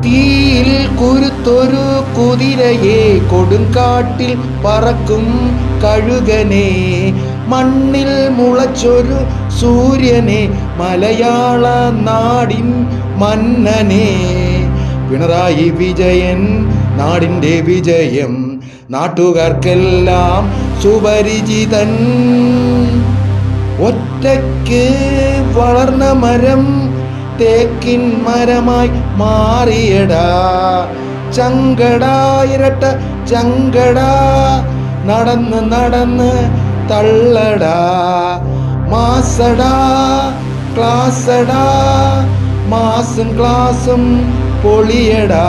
തീയിൽ കുരുത്തൊരു കുതിരയെ കൊടുങ്കാട്ടിൽ പറക്കും കഴുകനെ മണ്ണിൽ മുളച്ചൊരു സൂര്യനെ മലയാള നാടിൻ മന്നനെ പിണറായി വിജയൻ നാടിൻ്റെ വിജയം നാട്ടുകാർക്കെല്ലാം സുപരിചിതൻ ഒറ്റയ്ക്ക് വളർന്ന മരം തേക്കിൻ മരമായി മാറിയടാ ചങ്കടാ ഇരട്ട ചങ്കടാ നടന്ന് നടന്ന് തള്ളടാ മാസടാ ക്ലാസടാ മാസും ക്ലാസും പൊളിയടാ.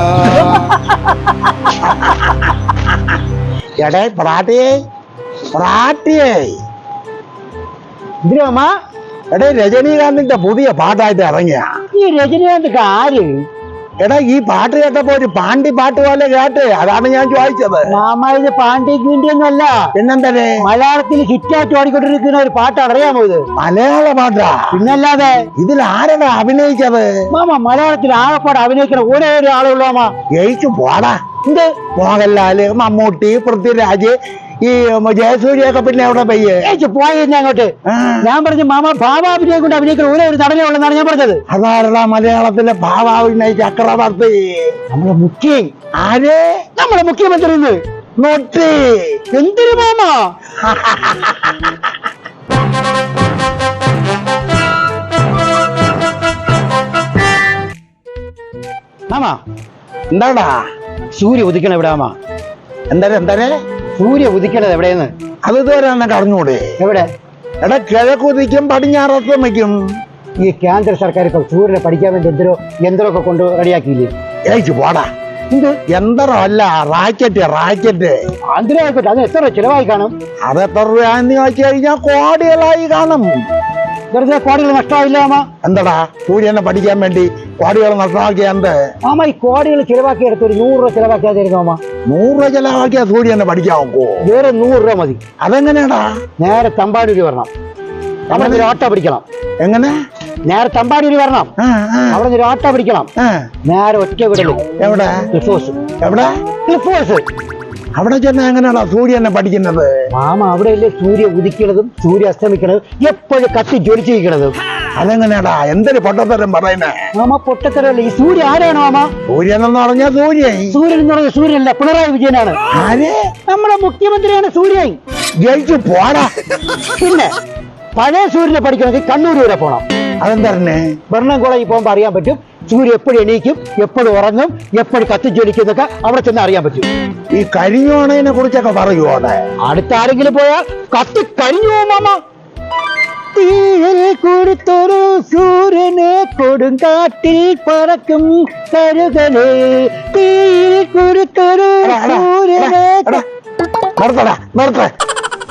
എടേ പ്രാട്ടിയേ പ്രാട്ടിയേ ഇതിനമ്മ എടേ രജനീകാന്തിന്റെ പുതിയ പാട്ടായിട്ട് ഇറങ്ങിയ ഈ രജനീകാന്ത് ആര്? എടാ ഈ പാട്ട് കേട്ടപ്പോ ഒരു പാണ്ടി പാട്ട് പോലെ കേട്ട് അതാണ് ഞാൻ ചോദിച്ചത്. മാമ ഇത് പാണ്ടിക്ക് വേണ്ടിയൊന്നുമല്ല, പിന്നെന്തേ മലയാളത്തിൽ ഹിറ്റായിട്ട് ഓടിക്കൊണ്ടിരിക്കുന്ന ഒരു പാട്ട് അറിയാമോ ഇത്? മലയാള പാട്ടാ? പിന്നല്ലാതെ. ഇതിൽ ആരാണ് അഭിനയിച്ചത്? മാമ മലയാളത്തിൽ ആകപ്പാട് അഭിനയിക്കുന്ന ഒരേ ഒരു ആളുള്ളൂ മാമ. ജയിച്ചു പോടാ. എന്ത് മോഹൻലാല്, മമ്മൂട്ടി, പൃഥ്വിരാജ്, ഈ ജയസൂര്യൊക്കെ പിന്നെ എവിടെ പയ്യെ പോയിരുന്ന അങ്ങോട്ട്. ഞാൻ പറഞ്ഞു മാമ ഭാവാഭിനയം കൊണ്ട് അഭിനയിക്കുന്ന ഒരേ ഒരു നടനേ ഉള്ളെന്നാണ് ഞാൻ പറഞ്ഞത്. അതാരടാ മലയാളത്തിലെ ഭാവാഭിനയ ചക്രവർത്തി? നമ്മളെ മുഖ്യ. ആര്? നമ്മളെ മുഖ്യമന്ത്രി. നോട്ടി എന്തൊരു മാമ. മാമ എന്താടാ? സൂര്യ ഉദിക്കണ എവിടെ മാമ? എന്താ സൂര്യ ഉദിക്കണത് എവിടെയെന്ന് അത് ഇതുവരെ എന്നൊക്കെ അറിഞ്ഞൂടെ? എവിടെ? എടാ കിഴക്കുതിക്കും പടിഞ്ഞാറത്തമ്മയ്ക്കും. ഈ കേന്ദ്ര സർക്കാർ ഇപ്പൊ സൂര്യനെ പഠിക്കാൻ വേണ്ടി യന്ത്രമൊക്കെ കൊണ്ട് റെഡിയാക്കിയില്ലേ? ഏച്ചു പോടാ. എന്ത് യന്ത്രം അല്ല, റാക്കറ്റ്. ആന്ധ്രയായിക്കോട്ടെ, അത് എത്ര ചിലവായി കാണും? അത് എത്ര രൂപയെന്ന് ചോദിച്ചു കഴിഞ്ഞാൽ കോടികളായി കാണും. വെറുതെ കോടികൾ നഷ്ടമായില്ല മാമ? എന്താടാ സൂര്യനെ പഠിക്കാൻ വേണ്ടി കോടികൾ നഷ്ടമാക്കിയ എന്ത്? മാമ ഈ കോടികൾ ചിലവാക്കിയെടുത്ത് ഒരു 100 രൂപ ചിലവാക്കിയായിരുന്നു മാമ. 100 രൂപ ചിലവാക്കിയ സൂര്യനെ പഠിക്കാൻ നോക്കോ? വേറെ 100 രൂപ മതി. അതെങ്ങനെയാടാ? നേരെ തമ്പാനൂര് വരണം, അവിടെ ഒരു ഓട്ടോ പിടിക്കണം. എങ്ങനെ? നേരെ തമ്പാനൂര് വരണം, അവിടെ ഒരു ഓട്ടോ പിടിക്കണം. നേരെ ഒറ്റ വിടല്. എവിടെ? ക്ലിഫോസ്. എവിടെ? ക്ലിഫോസ്. അവിടെ ചെന്ന എങ്ങനെയാണോ സൂര്യനെ പഠിക്കുന്നത്? മാമ അവിടെയല്ലേ സൂര്യ ഉദിക്കണതും സൂര്യ അസ്തമിക്കണതും എപ്പോഴും കത്തി ജ്വലിച്ചിരിക്കണതും. അതെങ്ങനെയാടാ? എന്തൊരു പൊട്ടത്തരം പറയുന്നേ? മാമ പൊട്ടത്തരല്ലേ. ഈ സൂര്യ ആരാണ് മാമ? സൂര്യൻ എന്ന് പറഞ്ഞാൽ സൂര്യൻ എന്ന് പറഞ്ഞ സൂര്യനല്ല, പിണറായി വിജയനാണ്. ആര്? നമ്മുടെ മുഖ്യമന്ത്രിയാണ് സൂര്യൻ. ജയിച്ചു പോടാ. പിന്നെ പഴയ സൂര്യനെ പഠിക്കണമെങ്കിൽ കണ്ണൂർ വരെ പോണം. അതെന്തന്നെ? ഭരണം കോളേജിൽ പോകുമ്പോൾ അറിയാൻ പറ്റും സൂര്യ എപ്പോഴും എണീക്കും, എപ്പോഴും ഉറങ്ങും, എപ്പോഴും കത്തിജ്വലിക്കും എന്നൊക്കെ അവിടെ ചെന്ന് അറിയാൻ പറ്റും. ഈ കരിഞ്ഞോണതിനെ കുറിച്ചൊക്കെ പറയുമോ? അടുത്ത ആരെങ്കിലും പോയാൽ കത്തി കരിഞ്ഞു പോകും മാമ. തീയിൽ കൊടുത്തൊരു സൂര്യനെ കൊടുങ്കാട്ടിൽ പറക്കും കരുകനെ, തീയിൽ കൊടുത്തൊരു സൂര്യനെ. നിർത്തേ.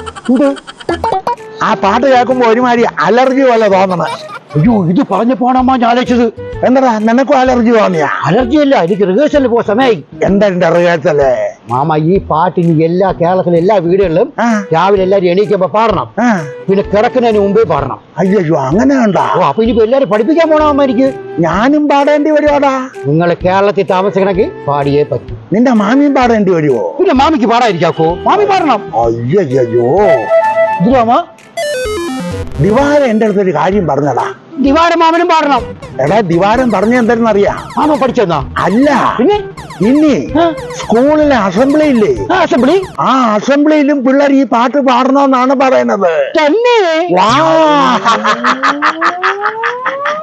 ആ പാട്ട് കേൾക്കുമ്പോ ഒരുമാതിരി അലർജി പോലെ തോന്നണേ. അയ്യോ, ഇത് പറഞ്ഞു പോണമ്മ ഞാൻ ആലോചിച്ചത്. എന്താ നിനക്കും അലർജി തോന്നിയാ? അലർജി അല്ല, എനിക്ക് റിഹേഴ്സലിൽ പോകാൻ സമയമായി. എന്താ റിഹേഴ്സല്? മാമ ഈ പാട്ടിന് കേരളത്തിലെ എല്ലാ വീടുകളിലും രാവിലെ എല്ലാരും എണീക്കുമ്പോ പാടണം, പിന്നെ കിടക്കുന്നതിന് മുമ്പേ പാടണം. അയ്യോ അങ്ങനെ ഉണ്ടോ? അപ്പൊ ഇനിയിപ്പോ എല്ലാരും പഠിപ്പിക്കാൻ പോണമ്മ എനിക്ക്. ഞാനും പാടേണ്ടി വരുവാടാ. നിങ്ങൾ കേരളത്തിൽ താമസിക്കണമെങ്കിൽ പാടിയേ പറ്റും. നിന്റെ മാമിയും പാടേണ്ടി വരുവോ? പിന്നെ മാമിക്ക് പാടാതിരിക്കാക്കോ? മാമി പാടണം. അയ്യോ ഇതിലാമ ദിവാരം എന്റെ അടുത്തൊരു കാര്യം പറഞ്ഞടാ. ദിവാരം മാമനും പാടണം. എടാ ദിവാരം പറഞ്ഞ എന്താണെന്നറിയാ? മാമ പഠിച്ചെന്നാ? അല്ല, പിന്നെ ഇനി സ്കൂളിലെ അസംബ്ലി ഇല്ലേ, അസംബ്ലി, ആ അസംബ്ലിയിലും പിള്ളേർ ഈ പാട്ട് പാടണമെന്നാണ് പറയുന്നത്. തന്നെ? വാ